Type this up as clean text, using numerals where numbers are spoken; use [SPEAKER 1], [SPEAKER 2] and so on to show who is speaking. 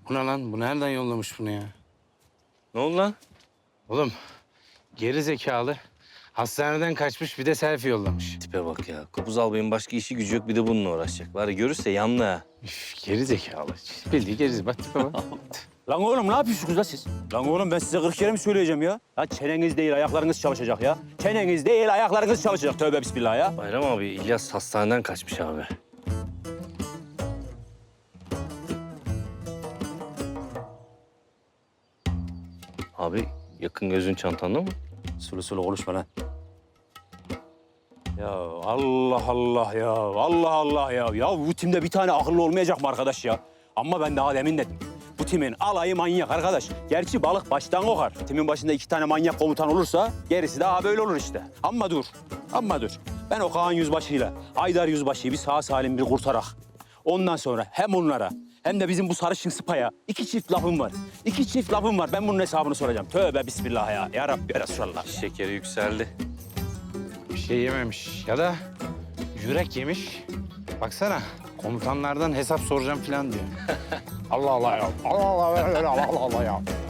[SPEAKER 1] Bu ne lan? Bu nereden yollamış bunu ya?
[SPEAKER 2] Ne oldu lan?
[SPEAKER 1] Oğlum geri zekalı. Hastaneden kaçmış bir de selfie yollamış.
[SPEAKER 2] Tipe bak ya. Kopuz albayın başka işi gücü yok bir de bununla uğraşacak. Var ya görürse yanlı ha.
[SPEAKER 1] Üf, geri zekalı. Bildiği geri bak tipe bak.
[SPEAKER 3] Lan oğlum ne yapıyorsunuz la siz? Lan oğlum ben size 40 kere mi söyleyeceğim ya? Ya çeneniz değil ayaklarınız çalışacak ya. Çeneniz değil ayaklarınız çalışacak. Tövbe bismillah ya.
[SPEAKER 2] Bayram abi İlyas hastaneden kaçmış abi. Abi yakın gözün çantanda mı?
[SPEAKER 3] Sulu sulu konuşma lan. Ya Allah Allah ya. Allah Allah ya. Ya bu timde bir tane akıllı olmayacak mı arkadaş ya? Ama ben daha demin dedim. Bu timin alayı manyak arkadaş. Gerçi balık baştan kokar. Timin başında 2 tane manyak komutan olursa gerisi daha böyle olur işte. Ama dur. Ama dur. Ben o Kaan Yüzbaşı'yla Haydar Yüzbaşı'yı bir sağ salim bir kurtarak. Ondan sonra hem onlara hem de bizim bu sarışın sıpaya 2 çift lafım var. 2 çift lafım var. Ben bunun hesabını soracağım. Tövbe bismillah ya. Ya Rabbi ya Resulallah.
[SPEAKER 2] Şekeri yükseldi.
[SPEAKER 1] Bir şey yememiş ya da yürek yemiş. Baksana komutanlardan hesap soracağım falan diyor. Allah Allah ya. Allah Allah Allah Allah Allah ya.